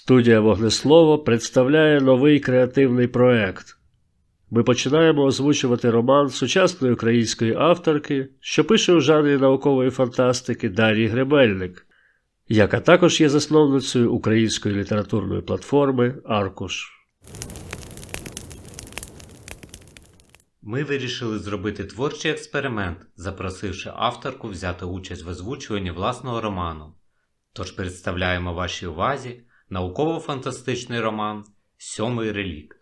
Студія «Вогнеслово» представляє новий креативний проект. Ми починаємо озвучувати роман сучасної української авторки, що пише у жанрі наукової фантастики Дар'ї Гребельник, яка також є засновницею української літературної платформи «Аркуш». Ми вирішили зробити творчий експеримент, запросивши авторку взяти участь в озвучуванні власного роману. Тож представляємо вашій увазі науково-фантастичний роман «Сьомий релікт».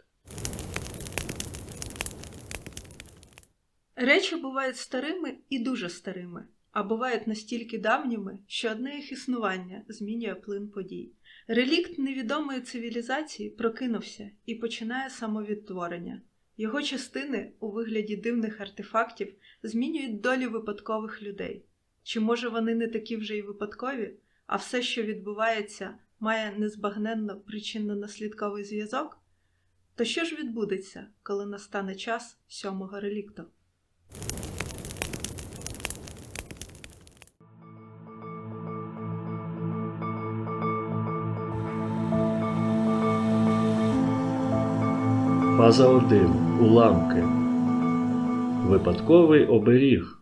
Речі бувають старими і дуже старими, а бувають настільки давніми, що одне їх існування змінює плин подій. Релікт невідомої цивілізації прокинувся і починає самовідтворення. Його частини у вигляді дивних артефактів змінюють долі випадкових людей. Чи може вони не такі вже й випадкові, а все, що відбувається, має незбагненно причинно-наслідковий зв'язок? То що ж відбудеться, коли настане час сьомого релікту? Фаза 1. Уламки. Випадковий оберіг.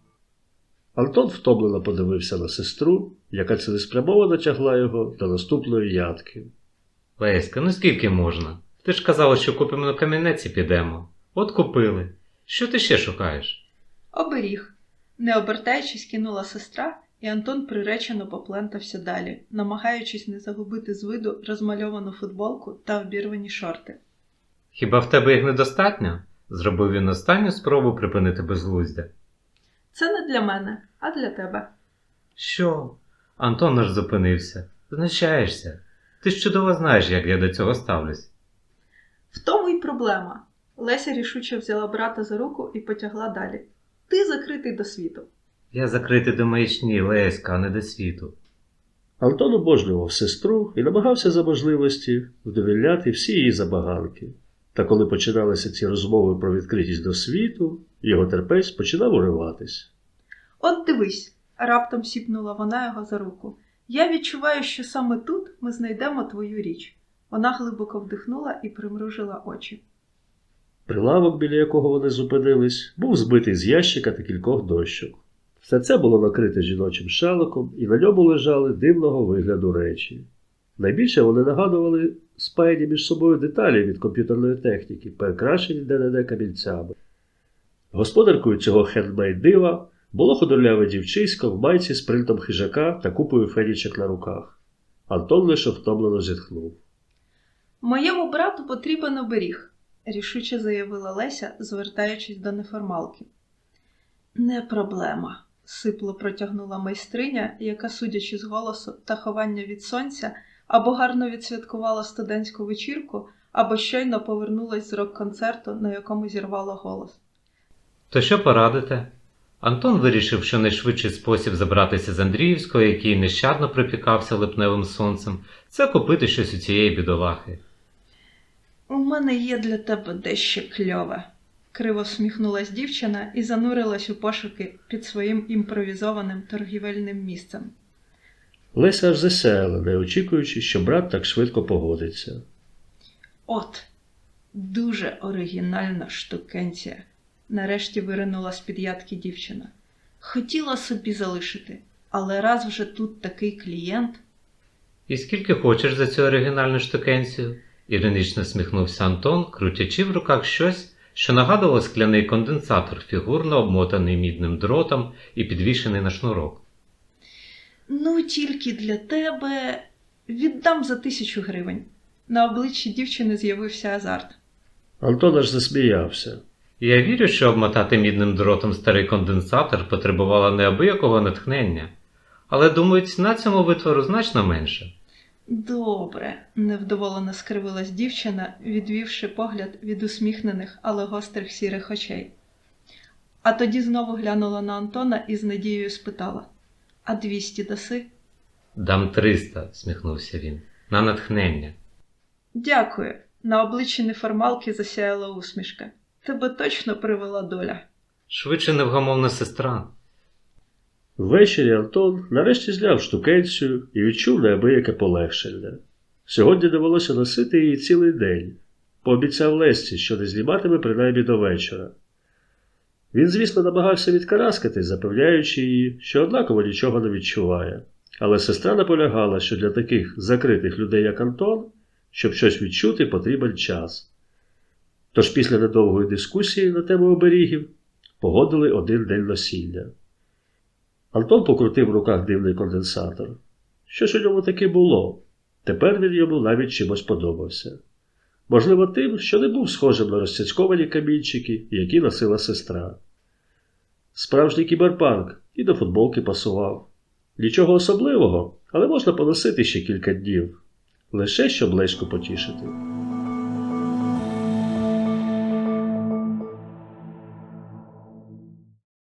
Антон втомлено подивився на сестру, яка цілеспрямовано тягла його до наступної ядки. Леська, ну скільки можна? Ти ж казала, що купимо на камінець і підемо. От купили. Що ти ще шукаєш? Оберіг. Не обертаючись, кинула сестра, і Антон приречено поплентався далі, намагаючись не загубити з виду розмальовану футболку та обірвані шорти. Хіба в тебе їх недостатньо? Зробив він останню спробу припинити безглуздя. Це не для мене, а для тебе. Що? Антон аж зупинився. Знущаєшся. Ти ж чудово знаєш, як я до цього ставлюсь. В тому й проблема. Леся рішуче взяла брата за руку і потягла далі. Ти закритий до світу. Я закритий до маячні, Леська, а не до світу. Антон обожнював сестру і намагався за можливості вдовольняти всі її забаганки. Та коли починалися ці розмови про відкритість до світу, його терпець починав уриватись. От дивись, раптом сіпнула вона його за руку. Я відчуваю, що саме тут ми знайдемо твою річ. Вона глибоко вдихнула і примружила очі. Прилавок, біля якого вони зупинились, був збитий з ящика та кількох дощок. Все це було накрите жіночим шаликом, і на ньому лежали дивного вигляду речі. Найбільше вони нагадували спаяні між собою деталі від комп'ютерної техніки, перекрашені де-не-де камінцями. Господаркою цього хендмейд-дива було худорляве дівчисько в майці з принтом хижака та купою фенічок на руках. Антон лише втомлено зітхнув. «Моєму брату потрібен оберіг», – рішуче заявила Леся, звертаючись до неформалки. «Не проблема», – сипло протягнула майстриня, яка, судячи з голосу та ховання від сонця, або гарно відсвяткувала студентську вечірку, або щойно повернулась з рок-концерту, на якому зірвала голос. То що порадите? Антон вирішив, що найшвидший спосіб забратися з Андріївського, який нещадно припікався липневим сонцем, це купити щось у цієї бідолахи. «У мене є для тебе дещо кльове», – криво всміхнулась дівчина і занурилась у пошуки під своїм імпровізованим торгівельним місцем. Леся аж засяяла, не очікуючи, що брат так швидко погодиться. «От, дуже оригінальна штукенція», – нарешті виринула з-під ядки дівчина. «Хотіла собі залишити, але раз вже тут такий клієнт...» І скільки хочеш за цю оригінальну штукенцію? Іронічно сміхнувся Антон, крутячи в руках щось, що нагадувало скляний конденсатор, фігурно обмотаний мідним дротом і підвішений на шнурок. «Ну, тільки для тебе віддам за 1000 гривень». На обличчі дівчини з'явився азарт. Антон аж засміявся. Я вірю, що обмотати мідним дротом старий конденсатор потребувало неабиякого натхнення. Але, думаю, ціна цьому витвору значно менша. «Добре», – невдоволено скривилась дівчина, відвівши погляд від усміхнених, але гострих сірих очей. А тоді знову глянула на Антона і з надією спитала: «А 200 даси?» «Дам 300», – сміхнувся він, – «на натхнення». «Дякую», – на обличчі неформалки засяяла усмішка. «Тебе точно привела доля». Швидше невгамовна сестра. Ввечері Антон нарешті зняв штукенцію і відчув неабияке полегшення. Сьогодні довелося носити її цілий день. Пообіцяв Лесці, що не зніматиме принаймні до вечора. Він, звісно, намагався відкараскати, запевняючи її, що однаково нічого не відчуває. Але сестра наполягала, що для таких закритих людей, як Антон, щоб щось відчути, потрібен час. Тож після недовгої дискусії на тему оберігів погодили один день носіння. Антон покрутив в руках дивний конденсатор. Що ж у ньому таки було? Тепер він йому навіть чимось подобався. Можливо, тим, що не був схожим на розцяцьковані камінчики, які носила сестра. Справжній кіберпанк і до футболки пасував. Нічого особливого, але можна поносити ще кілька днів. Лише щоб Леську потішити.